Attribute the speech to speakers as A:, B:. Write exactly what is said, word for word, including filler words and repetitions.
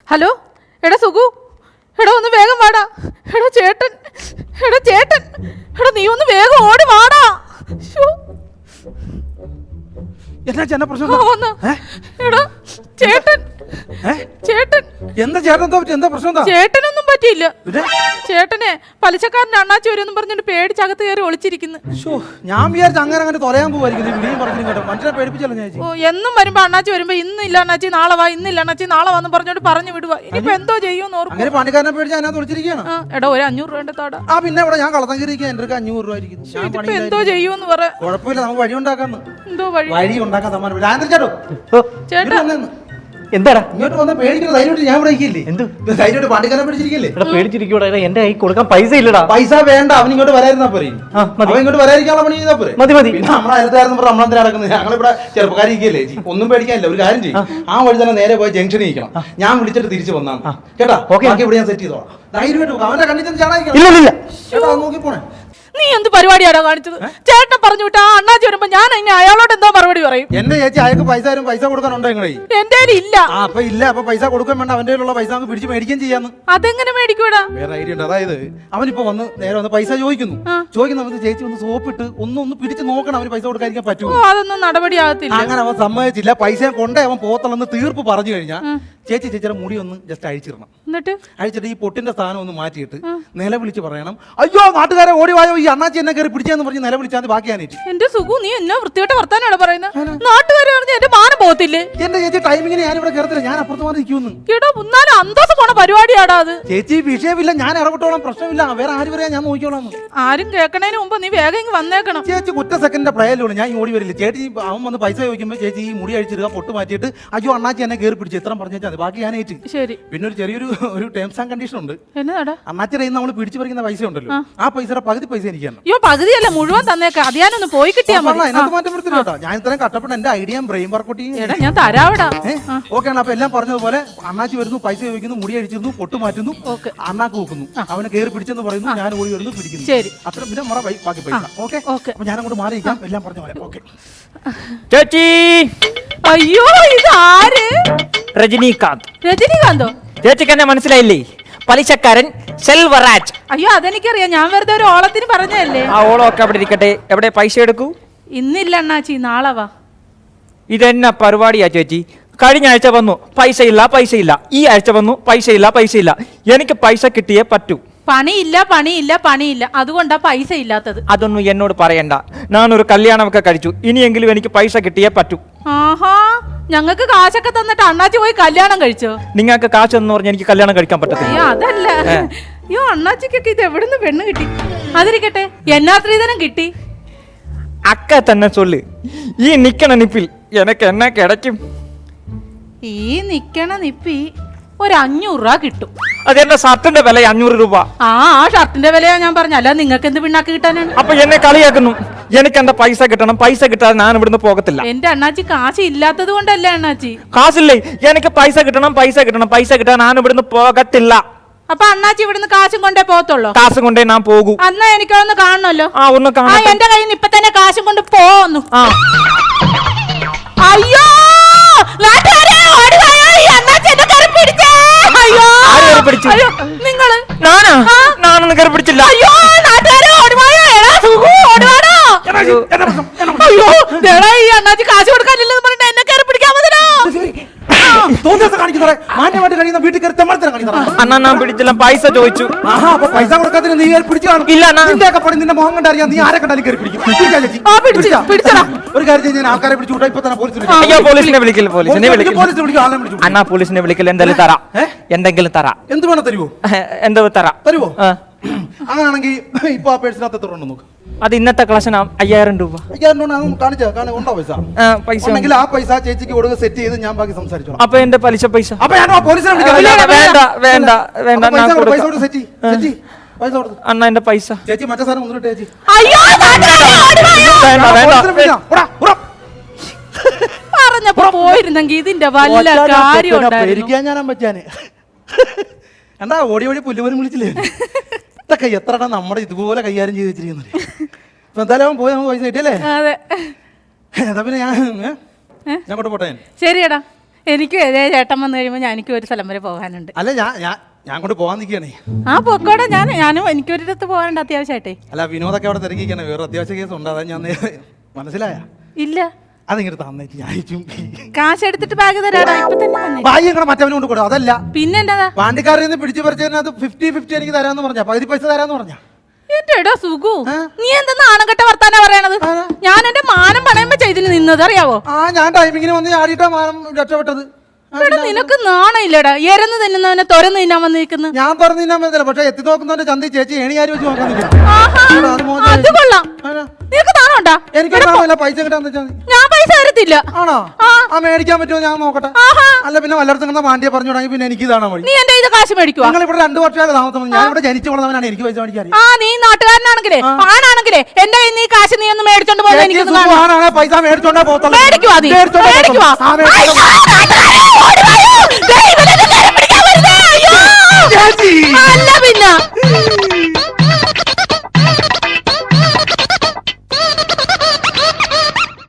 A: Hello എടാ സുഖു, എടാ ഒന്ന് വേഗം വാടാ. എടാ ചേട്ടൻ, എടാ ചേട്ടൻ, എടാ നീ ഒന്ന് വേഗം ഓടി വാടാ.
B: എന്നാ ചേട്ടൻ പ്രശ്നം?
A: എടാ ചേട്ടൻ, ചേട്ടൻ
B: എന്താ ചേട്ടൻ എന്താ പ്രശ്നം?
A: ചേട്ടനൊന്നും പറ്റിയില്ല. ചേട്ടനെ പലിശക്കാരന്റെ അണ്ണാച്ചി വരുമെന്ന് പറഞ്ഞിട്ട് പേടിച്ചകത്ത് കയറി ഒളിച്ചിരിക്കുന്നു.
B: ഞാൻ വിചാരിച്ചു അങ്ങനെ അങ്ങനെ തൊലയാൻ പോവായിരിക്കും. മനുഷ്യനെ പേടിപ്പിച്ചല്ലോ ഞാൻ.
A: ഓ എന്നും വരുമ്പോ അണ്ണാച്ചി വരുമ്പോ ഇന്നില്ല അണ്ണാച്ചി നാളെ വാ, ഇന്നില്ല അണ്ണാച്ചി നാളെ വാന്ന് പറഞ്ഞോണ്ട് പറഞ്ഞു വിടുവാ. ഇനിയിപ്പോ എന്തോ ചെയ്യുമെന്ന് ഓർക്കും.
B: അങ്ങനെ പണിക്കാരനെ പേടിച്ച് അതിനകത്ത് ഒളിച്ചിരിക്കുകയാണ്.
A: എടാ ഒരു അഞ്ഞൂറ് രൂപ താടാ.
B: ആ പിന്നെ ഇവിടെ ഞാൻ കളത്തഞ്ചേരിക്ക് എന്റെ അടുത്ത് അഞ്ഞൂറ് രൂപ ആയിരിക്കും.
A: എന്തോ ചെയ്യുമെന്ന് പറ.
B: കുഴപ്പമില്ല, നമുക്ക് വഴി ഉണ്ടാക്കാന്ന്.
A: എന്തോ വഴി
B: വഴി ഉണ്ടാക്കാൻ സമ്മാനം. ചേട്ടോ
A: ചേട്ടാ
C: എന്താടാ
B: ഇങ്ങോട്ട് വന്ന പേടിക്കുന്ന ധൈര്യമായിട്ട് ഞാൻ ഇവിടെ ഇരിക്കില്ലേ? എന്ത് ധൈര്യമായിട്ട് പണ്ടിക്കാരനെ പേടിച്ചിരിക്കില്ലേ?
C: പേടിച്ചിരിക്കൂടാ, എന്റെ കൈ കൊടുക്കാൻ പൈസ ഇല്ലടാ.
B: പൈസ വേണ്ട, അവൻ ഇങ്ങോട്ട് വരായിരുന്നാ പോരെ. അവൻ ഇങ്ങോട്ട് വരാതിരിക്കാനുള്ള പണി ചെയ്താ പോരെ.
C: മതി മതി.
B: പിന്നെ നമ്മളെ അയൽക്കാരെന്ന് പറഞ്ഞാൽ നമ്മളെന്തിനാ നടക്കുന്നത്? ഞങ്ങളിവിടെ ചെറുപ്പക്കാരിക്കല്ലേ, ഒന്നും പേടിക്കാനില്ല. ഒരു കാര്യം ചെയ്യും, ആ വഴി തന്നെ നേരെ പോയി ജംഗ്ഷനിൽ നിൽക്കണം. ഞാൻ വിളിച്ചിട്ട് തിരിച്ചു വന്നാണ് കേട്ടാ. ബാക്കി ഇവിടെ ഞാൻ സെറ്റ് ചെയ്തോളാം. ധൈര്യമായിട്ട് അവന്റെ കണ്ണിൽ ചെന്ന് ചാടാതിരിക്കണം. നോക്കി പോണേ.
A: നീ എന്ത് പരിപാടിയാണോ കാണിച്ചത്? ചേട്ടൻ പറഞ്ഞു വിട്ടാ അണ്ണാച്ചി വരുമ്പോ ഞാൻ ഇനി അയാളോട് എന്തോ മറുപടി പറയും.
B: എന്റെ ചേച്ചി അയാൾക്ക് പൈസ തരും, പൈസ കൊടുക്കാനുണ്ടോ നിങ്ങളെ?
A: എന്റെ ഇല്ല.
B: ആ അപ്പൊ ഇല്ല, അപ്പൊ പൈസ കൊടുക്കാൻ വേണ്ട. അവന്റെ ഉള്ള പൈസ നമുക്ക് പിടിച്ച് മേടിക്കാൻ ചെയ്യാന്ന്.
A: അതെങ്ങനെ മേടിക്കൂടാ?
B: വേറെ ഐഡിയ ഉണ്ട്. അതായത് അവനിപ്പോ വന്ന് നേരെ വന്ന് പൈസ ചോദിക്കുന്നു. ചോദിക്കുന്ന അവന് ചേച്ചി ഒന്ന് സോപ്പിട്ട് ഒന്ന് ഒന്ന് പിടിച്ച് നോക്കണം അവന് പൈസ കൊടുക്കാതിരിക്കാൻ പറ്റുമോ.
A: അതൊന്നും നടപടിയാകത്തില്ല.
B: അങ്ങനെ അവൻ സമ്മതിച്ചില്ല. പൈസ കൊണ്ടേ അവൻ പോത്തളന്ന് തീർപ്പ് പറഞ്ഞു കഴിഞ്ഞാൽ ചേച്ചി ചേച്ചിയുടെ മുടി ഒന്ന് ജസ്റ്റ് അഴിച്ചിടണം.
A: എന്നിട്ട്
B: അഴിച്ചിട്ട് ഈ പൊട്ടിന്റെ സ്ഥാനം ഒന്ന് മാറ്റിയിട്ട് നിലവിളിച്ച് പറയണം, അയ്യോ നാട്ടുകാരെ ഓടി വായോ, ഈ അണ്ണാച്ചി എന്നെ കയറി പിടിച്ചെന്ന് പറഞ്ഞ് നിലവിളിച്ചാൽ ബാക്കിയാനേറ്റ്.
A: എന്റെ സുഖു, നീ എന്നാ വൃത്തിയോട്ട് വർത്താനാണ് പറയുന്നത്? നാട്ടുകാരെ പറഞ്ഞ എന്റെ മാനം പോകത്തില്ലേ?
B: എന്റെ ചേച്ചി ടൈമിങ്ങിന് ഞാനിവിടെ കയറത്തില്ല, ഞാൻ അപ്പുറത്ത് മാറി നിൽക്കുന്നു.
A: കേട്ടോ മുന്നാലും അന്തോസ് പോണ പരിപാടിയാടാ അത്.
B: ചേച്ചി വിഷയമില്ല, ഞാൻ ഇടപെട്ടോളാം, പ്രശ്നമില്ല. വേറെ ആര് പറയാ, ഞാൻ നോക്കിക്കോളാം.
A: ആരും കേൾക്കണതിന് മുമ്പ് നീ വേഗം ഇങ്ങ് വന്നേക്കണം.
B: ചേച്ചി കുറ്റ സെക്കൻഡിന്റെ പ്രയലുള്ളൂ, ഞാൻ ഓടി വരില്ല. ചേച്ചി അവൻ വന്ന് പൈസ ചോദിക്കുമ്പോൾ ചേച്ചി ഈ മുടി അഴിച്ചിടുക, പൊട്ട് മാറ്റിയിട്ട് അയ്യോ അണ്ണാച്ചി എന്നെ കയറി പിടിച്ച് ഇത്രയും പറഞ്ഞാൽ ബാക്കി ഞാൻ ഏറ്റ്.
A: ശരി.
B: പിന്നെ ഒരു ചെറിയൊരു ഒരു ടേംസ് ആൻഡ് കണ്ടീഷൻ ഉണ്ട്.
A: എന്നാടാ?
B: അണ്ണാച്ചിയുടെ നമ്മൾ പിടിച്ചു പറിക്കുന്ന പൈസ ഉണ്ടല്ലോ, ആ പൈസയുടെ പകുതി പൈസ എനിക്കാണ്.
A: അയ്യോ പകുതിയല്ല, മുഴുവൻ തന്നേക്കാം. അത് ഞാനൊന്ന് പോയി കിട്ടിയാ മതി.
B: അതിനകത്ത് മാറ്റം വരുത്തില്ല കേട്ടോ. ഞാൻ ഇത്രയും കഷ്ടപ്പെട്ട എന്റെ ഐഡിയ ബ്രെയിൻ വർക്കൗട്ട്
A: ചെയ്യും. ഞാൻ തരാവിടാ.
B: ഓക്കെ ആണ്. അപ്പൊ എല്ലാം പറഞ്ഞതുപോലെ അണ്ണാച്ചി വരുന്നു, പൈസ ചോദിക്കുന്നു, മുടി അഴിച്ചിരുന്നു, പൊട്ട് മാറ്റുന്നു, അണ്ണാക്ക് വെക്കുന്നു, അവനെ കയറി പിടിച്ചെന്ന് പറയുന്നു, ഞാൻ ഓടി വരുന്നു, പിടിക്കുന്നു.
A: ശരി.
B: അത്ര പിന്നെ മറ ബാക്കി പൈസ. Okay okay. അപ്പൊ ഞാൻ അങ്ങോട്ട് മാറിയിരിക്കാം, എല്ലാം പറഞ്ഞ പോലെ. ഓക്കെ
C: ചേച്ചി.
A: അയ്യോ ഇത് ആര്?
C: രജനീകാന്ത്.
A: രജനീകാന്തോ?
C: ചേച്ചിക്ക് എന്നെ മനസ്സിലായില്ലേ? പലിശക്കാരൻ സെൽവരാജ്.
A: അയ്യോ അതെനിക്കറിയാം, ഞാൻ വെറുതെ ഒരു ഓളത്തിന് പറഞ്ഞതല്ലേ.
C: ആ ഓളമൊക്കെ അവിടെ ഇരിക്കട്ടെ. എവിടെ പൈസ എടുക്കൂ?
A: ഇന്നില്ല അണ്ണാച്ചി, നാളെ വാ.
C: ഇതെന്നാ പരിപാടിയാ ചേച്ചി? കഴിഞ്ഞ ആഴ്ച വന്നു പൈസ ഇല്ല പൈസ ഇല്ല, ഈ ആഴ്ച വന്നു പൈസ ഇല്ല പൈസ ഇല്ല. എനിക്ക് പൈസ കിട്ടിയേ പറ്റൂ.
A: പണിയില്ല പണിയില്ല പണിയില്ല, അതുകൊണ്ടാ പൈസ ഇല്ലാത്തത്.
C: അതൊന്നും എന്നോട് പറയണ്ട. ഞാനൊരു കല്യാണമൊക്കെ കഴിച്ചു, ഇനിയെങ്കിലും എനിക്ക് പൈസ കിട്ടിയേ പറ്റൂ.
A: ആഹാ, ഞങ്ങൾക്ക് കാശൊക്കെ തന്നിട്ട് അണ്ണാച്ചി പോയി കല്യാണം കഴിച്ചോ?
C: നിങ്ങൾക്ക് കാശ് എന്ന് പറഞ്ഞാൽ എനിക്ക് കല്യാണം കഴിക്കാൻ പറ്റത്തില്ല.
A: അയ്യോ അതല്ല, അയ്യോ അണ്ണാച്ചിക്കൊക്കെ ഇത് എവിടുന്ന് പെണ്ണ് കിട്ടി? അതിരിക്കട്ടെ, എന്നാ സ്ത്രീധനം കിട്ടി?
C: അക്ക തന്നെ ചൊല്ല്. ഈ നിക്കണ നിപ്പിൽ എനക്ക് എന്നാ കിടക്കും?
A: ഈ നിക്കണ നിപ്പി ഒരു അഞ്ഞൂറ് രൂപ കിട്ടും.
C: അതെന്റെ ഷർട്ടിന്റെ വില അഞ്ഞൂറ് രൂപ.
A: ആ ആ ഷർട്ടിന്റെ വിലയാ ഞാൻ പറഞ്ഞ, അല്ല നിങ്ങൾക്ക് എന്ത് പിണ്ണാക്ക് കിട്ടാനാണ്?
C: അപ്പൊ എന്നെ കളിയാക്കുന്നു. എനിക്ക് എന്റെ പൈസ കിട്ടണം, പൈസ കിട്ടാതെ ഞാൻ ഇവിടുന്ന് പോകത്തില്ല.
A: എന്റെ അണ്ണാച്ചി കാശ് ഇല്ലാത്തത് കൊണ്ടല്ലേ അണ്ണാച്ചി?
C: കാശില്ലേ? എനിക്ക് പൈസ കിട്ടണം, പൈസ കിട്ടണം, പൈസ കിട്ടാൻ ഞാൻ ഇവിടുന്ന് പോകത്തില്ല.
A: അപ്പൊ അണ്ണാച്ചി ഇവിടുന്ന് കാശും കൊണ്ടേ പോകത്തുള്ളൂ?
C: കാശും കൊണ്ടേ ഞാൻ പോകൂ.
A: അന്നാ എനിക്കൊന്ന് കാണണല്ലോ.
C: ആ ഒന്ന് കാണാം.
A: എന്റെ കയ്യിൽ നിന്ന് ഇപ്പൊ തന്നെ കാശും കൊണ്ട് പോന്നു. അയ്യോ നിങ്ങള്?
C: ഞാനാ? ഞാനൊന്നും കയറി പിടിച്ചില്ല.
A: അയ്യോ നാട്ടുകാരെ ഓടുവായോ? എടാ സുഖു ഓടുവാടോ? അയ്യോ എടാ ഈ അണ്ണാച്ചി കാശ് കൊടുക്കാനില്ലെന്ന് പറഞ്ഞിട്ട് എന്നെ കയറി പിടിക്കാൻ മതിയോ?
C: അണ്ണാ ഞാൻ പിടിച്ചില്ല, പൈസ ചോദിച്ചു.
B: പൈസ കൊടുക്കാതെ നീ പിടിച്ചു കാണും.
C: ഇല്ല
B: നിന്റെ മുഖം കണ്ടറിയാം, നീ ആരെ കണ്ടാലും കയറി പിടിക്കും. ഒരു കാര്യം ഞാൻ ആൾക്കാരെ പിടിച്ചു വിട്ടാ ഇപ്പൊ തന്നെ പോലീസിനെ.
C: അയ്യോ പോലീസിനെ വിളിക്കില്ല, പോലീസിനെ വിളിക്കില്ല. അണ്ണാ പോലീസിനെ വിളിക്കില്ല. എന്തെങ്കിലും തരാം, എന്തെങ്കിലും തരാം.
B: എന്ത് വേണം തരുവോ?
C: എന്തോ തരാം.
B: തരുവോ? അങ്ങനെയാണെങ്കിൽ ഇപ്പൊ ആ പേഴ്സിനകത്ത് എത്ര ഉണ്ടോ നോക്ക്.
C: അത് ഇന്നത്തെ ക്ലാസ്സിന് അയ്യായിരം രൂപ.
B: അയ്യായിരം രൂപ കാണിച്ചാ കാണാൻ ഉണ്ടോ പൈസ?
C: പൈസ
B: ഉണ്ടെങ്കിൽ ആ പൈസ ചേച്ചിക്ക് കൊടുക്കുക, സെറ്റ് ചെയ്ത് ഞാൻ ബാക്കി സംസാരിച്ചോളാം.
C: അപ്പൊ എന്റെ പലിശ പൈസ?
B: അപ്പൊ ഞാൻ പോലീസിനെ വിളിക്കാം.
C: വേണ്ട വേണ്ട വേണ്ട,
B: പൈസ കൊടുത്ത് സെറ്റ് സെറ്റ് പൈസ കൊടുത്തു.
C: അണ്ണ എന്റെ പൈസ.
B: ചേച്ചി മറ്റേ സാധനം ഒന്നിട്ട് ചേച്ചി.
A: പറഞ്ഞപ്പോ പോയിരുന്നെങ്കിൽ ഇതിന്റെ വല്ല കാര്യം
B: ഞാൻ പറ്റാന്. എന്താ ഓടി ഓടി പുല്ലുപോലും വിളിച്ചില്ലേ? ഇതൊക്കെ എത്ര നമ്മുടെ ഇതുപോലെ കൈകാര്യം ചെയ്ത് വെച്ചിരിക്കുന്നത്. ഇപ്പൊ എന്തായാലും അവൻ പോയി നമുക്ക് പൈസ കിട്ടിയല്ലേ?
A: അതെ.
B: എന്നാ പിന്നെ ഞാൻ ഞാൻ കൊണ്ട് പോട്ടെ.
A: ശരിയടാ, എനിക്ക് ഇതേ ചേട്ടൻ വന്നു കഴിയുമ്പോൾ ഞാൻ എനിക്ക് ഒരു സ്ഥലം വരെ പോകാനുണ്ട്.
B: അല്ല ഞാൻ ഞാൻ ഞാൻ കൊണ്ട് പോകാൻ നിൽക്കുകയാണേ.
A: ആ പൊക്കോടെ, ഞാൻ ഞാനും എനിക്കൊരിടത്ത് പോകാനുണ്ട് അത്യാവശ്യമായിട്ടേ.
B: അല്ല വിനോദൊക്കെ അവിടെ തിരക്കിക്കാണ്, വേറെ അത്യാവശ്യ കേസ് ഉണ്ട്, അതാ ഞാൻ മനസ്സിലായ.
A: ഇല്ല
B: അതിങ്ങനെ തന്നേക്ക് ഞാൻ
A: കാശ് എടുത്തിട്ട് ബാഗ് തരാടാ ഇപ്പൊ തന്നെ തന്നെ.
B: ബാഗ് ഇങ്ങനെ മറ്റവനെ കൊണ്ട് കൊടുക്കും. അതല്ല
A: പിന്നെ എന്താ
B: പാണ്ടിക്കാരിൽ നിന്ന് പിടിച്ചു പറിച്ചതിനകത്ത് ഫിഫ്റ്റി ഫിഫ്റ്റി എനിക്ക് തരാന്ന് പറഞ്ഞ പകുതി പൈസ തരാന്ന് പറഞ്ഞ.
A: എന്റെ എടാ സുഖു, നീ എന്താ നാണംകെട്ട വർത്താനാ പറയണത്? ഞാൻ എന്റെ മാനം പണയുമ്പോ ചെയ്തിന് നിന്നത് അറിയാവോ?
B: ആ ഞാൻ ടൈമിങ്ങിന് വന്ന് ചാടിയിട്ടാ മാനം രക്ഷപ്പെട്ടത്.
A: എടാ നിനക്ക് നാണയില്ലടാ, എരന്ന് തിന്നുന്നവനെ തുറന്ന് തിന്നാൻ വന്നിരിക്കുന്നു.
B: ഞാൻ തുറന്നു തിന്നാൻ പറ്റില്ല, പക്ഷെ എത്തി നോക്കുന്നവന്റെ ചന്തി ചേച്ചി ഏണിയാരി വെച്ച് നോക്കാൻ
A: അത് കൊള്ളാം. നിനക്ക് നാണോണ്ടാ?
B: എനിക്ക് പൈസ കിട്ടാന്ന് വെച്ചാൽ
A: ഞാൻ പൈസ തരത്തില്ല.
B: ആണോ? ആ മേടിക്കാൻ പറ്റുമോ ഞാൻ നോക്കട്ടെ. അല്ല പിന്നെ വല്ലയിടത്തും പാണ്ടിയെ പറഞ്ഞു തുടങ്ങി പിന്നെ എനിക്ക് ഇതാണ് വഴി.
A: നീ എന്റെ ഇത് കാശ് മേടിക്കുവാ?
B: നിങ്ങൾ ഇവിടെ രണ്ടു വർഷമായിട്ട് താമസം, ഞാൻ ഇവിടെ ജനിച്ചു വളർന്നവനാണ്, എനിക്ക് പൈസ മേടിക്കാൻ.
A: ആ നീ നാട്ടുകാരനാണെങ്കിലേ ആണാണെങ്കിലേ എന്റെ കയ്യിൽ നീ കാശ് നീ ഒന്ന് മേടിച്ചോണ്ട് പോകുന്നത് എനിക്ക്
B: പൈസ മേടിച്ചോണ്ടാ പോകത്തുള്ളൂ.
A: മേടിക്കുവാ നീ മേടിക്കുവാ. അല്ല പിന്നെ